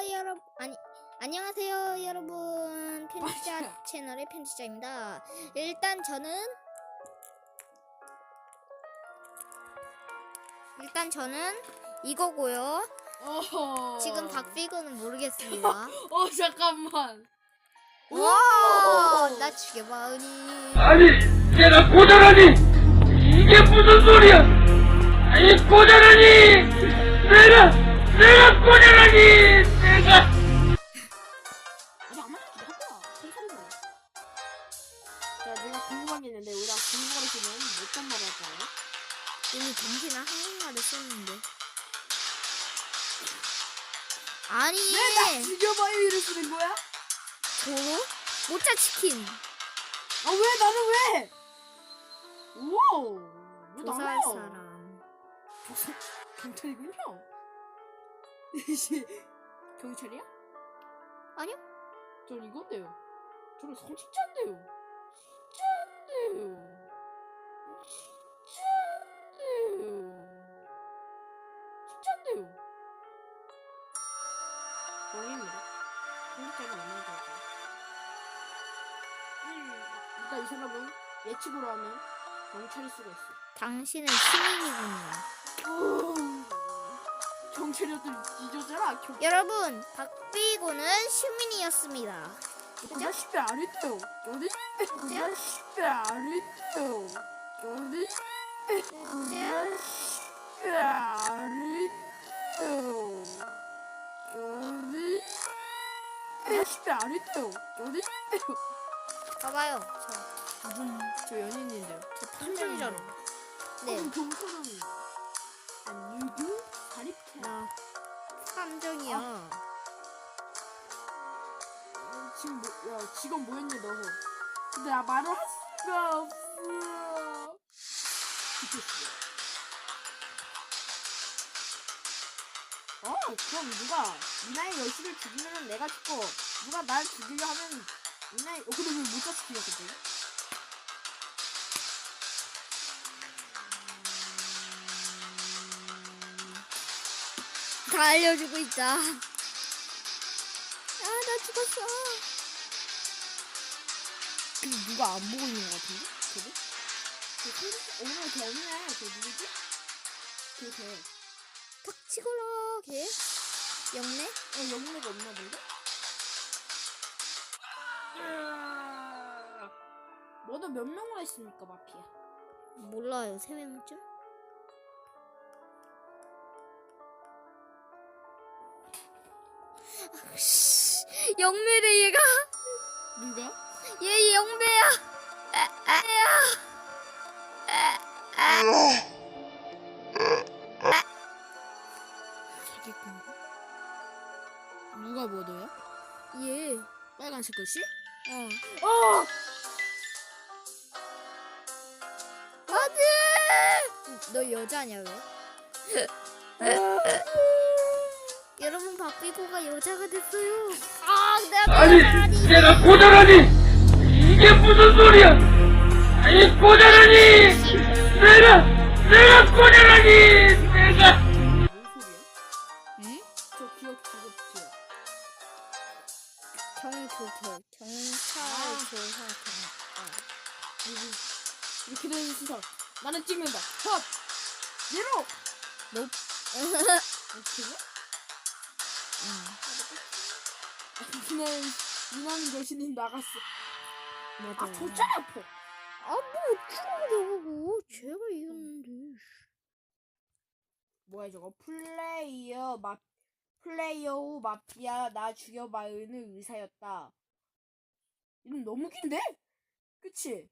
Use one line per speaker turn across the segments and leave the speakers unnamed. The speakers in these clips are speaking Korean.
안녕하세요 여러분. 편집자 채널의 편집자입니다. 일단 저는 이거고요. 지금 박비거는 모르겠습니다.
잠깐만.
와, 나 죽여봐 은희.
아니, 내가 고자라니! 이게 무슨 소리야! 아니, 고자라니! 내가 고자라니!
내가 궁금한 게 있는데 우리가 중국어를 쓰면 어떤 말을 할까요?
이미 정신을 한국말을 썼는데. 아니.
왜 나 죽여봐요 이를 쓰는 거야?
도로? 모짜 치킨.
아 왜 나는 왜? 우와. 왜
조사할
나야?
사람.
경찰이군요. 경찰이야?
아니요.
전 이건데요. 저는 성직자인데요. 진짜인데요. 뻥입니다. 성직자는 얼마나 될까요? 일단 이 사람은 예측으로 하면 경찰일 수가 있어.
당신은 시민이군요.
경찰이었더니 뒤져져라.
여러분, 박비고는 시민이었습니다.
그냥 10배 안 했대요. 저는 그냥 10배 안 했대요. 저는 그냥 10배 안 했대요. 저는 그냥 10배 안 했대요. 저는
봐봐요.
저 연인인데요.
저 탐정이잖아. 네.
경찰은 유교 사립캐.
나 탐정이야.
지금 직원 뭐였니 너? 근데 나 말을 할 수가 없어. 죽겠어. 그럼 누가 미나의 여신을 죽이면 내가 죽고 누가 날 죽이려 하면 미나의 근데 왜 모자 죽이려 근데?
다 알려주고 있다. 아, 나 죽었어.
근데 누가 안 보고 있는 것 같은데? 걔도? 오늘 걔 없네. 걔 누구지? 걔.
탁치거라, 걔. 영네?
영내가 없나 본데? 너도 몇 명으로 했습니까, 마피아?
몰라요, 3명쯤? 영매래, 얘가.
누가?
얘 영매야.
사기꾼. 누가 뭐더야?
얘.
빨간색 글씨?
어. 안 돼! 너 여자냐, 왜? 여러분, 박비고가 여자가 됐어요.
아니, 내가 고자라니! 이게 무슨 소리야! 아니, 고자라니! 내가 고자라니!
뭔 소리야?
응?
저 기억 기억.
경찰 조사
이렇게 되는 순서. 나는 찍는다. 컷! 예로!
너?
어떻게 해? 미나는 여신이 나갔어.
맞아.
줬잖아, 아파.
뭐 어쩌라고. 제가 이겼는데.
뭐야 저거? 플레이어 후 마피아 나 죽여봐요는 의사였다. 이름 너무 긴데? 그치?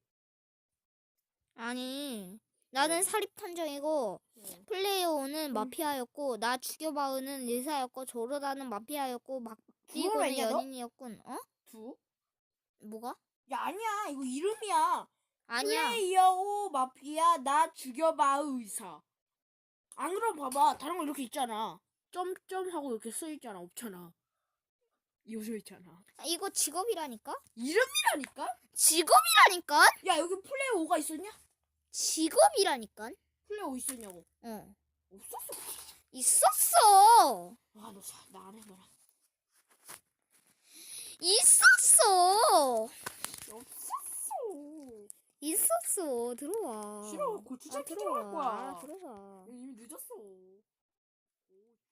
아니, 나는 사립탐정이고 플레이어는 마피아였고 나 죽여봐은은 의사였고 조르다는 마피아였고 박비고는
왜냐, 너?
연인이었군. 어?
두?
뭐가?
야 아니야 이거 이름이야.
아니야.
플레이어 후 마피아 나 죽여봐 의사. 안 그럼 봐봐 다른 거 이렇게 있잖아. 점점 하고 이렇게 써있잖아. 없잖아. 이어져 있잖아.
이거 직업이라니까?
이름이라니까?
직업이라니까?
야 여기 플레이어 5가 있었냐?
직업이라니까?
플레이어 5 있었냐고.
어.
없었어.
있었어.
아 너 나 안 해봐라.
있었어.
없었어.
있었어. 들어와.
싫어. 고추장
아,
피자 할
들어와.
거야.
들어와.
이미 늦었어.